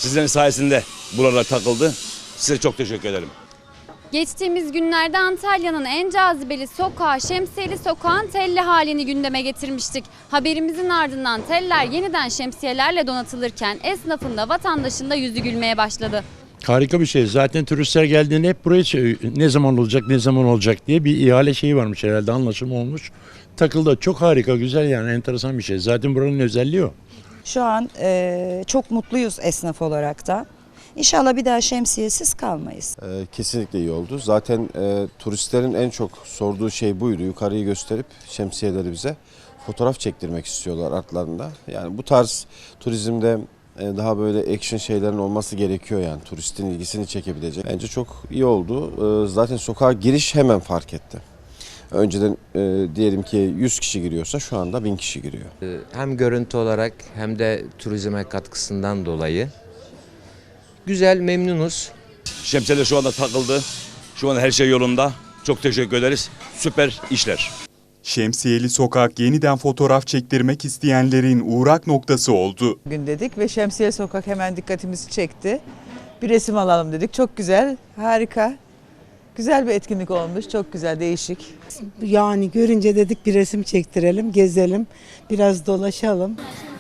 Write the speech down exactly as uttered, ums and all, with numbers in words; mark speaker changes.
Speaker 1: Sizlerin sayesinde buralar takıldı. Size çok teşekkür ederim.
Speaker 2: Geçtiğimiz günlerde Antalya'nın en cazibeli sokağı Şemsiyeli Sokağın telli halini gündeme getirmiştik. Haberimizin ardından teller yeniden şemsiyelerle donatılırken esnafın da vatandaşın da yüzü gülmeye başladı.
Speaker 3: Harika bir şey. Zaten turistler geldiğinde hep buraya ne zaman olacak, ne zaman olacak diye bir ihale şeyi varmış herhalde, anlaşım olmuş. Takıldı. Çok harika, güzel yani, enteresan bir şey. Zaten buranın özelliği o.
Speaker 4: Şu an e, çok mutluyuz esnaf olarak da. İnşallah bir daha şemsiyesiz kalmayız.
Speaker 5: Ee, kesinlikle iyi oldu. Zaten e, turistlerin en çok sorduğu şey buydu. Yukarıyı gösterip şemsiyeleri bize fotoğraf çektirmek istiyorlar artlarında. Yani bu tarz turizmde e, daha böyle action şeylerin olması gerekiyor yani. Turistin ilgisini çekebilecek. Bence çok iyi oldu. E, zaten sokağa giriş hemen fark etti. Önceden e, diyelim ki yüz kişi giriyorsa şu anda bin kişi giriyor.
Speaker 6: Hem görüntü olarak hem de turizme katkısından dolayı güzel, memnunuz.
Speaker 1: Şemsiyeler şu anda takıldı. Şu an her şey yolunda. Çok teşekkür ederiz. Süper işler.
Speaker 7: Şemsiyeli Sokak yeniden fotoğraf çektirmek isteyenlerin uğrak noktası oldu.
Speaker 8: Gün dedik ve Şemsiye Sokak hemen dikkatimizi çekti. Bir resim alalım dedik. Çok güzel, harika. Güzel bir etkinlik olmuş. Çok güzel, değişik.
Speaker 9: Yani görünce dedik bir resim çektirelim, gezelim, biraz dolaşalım.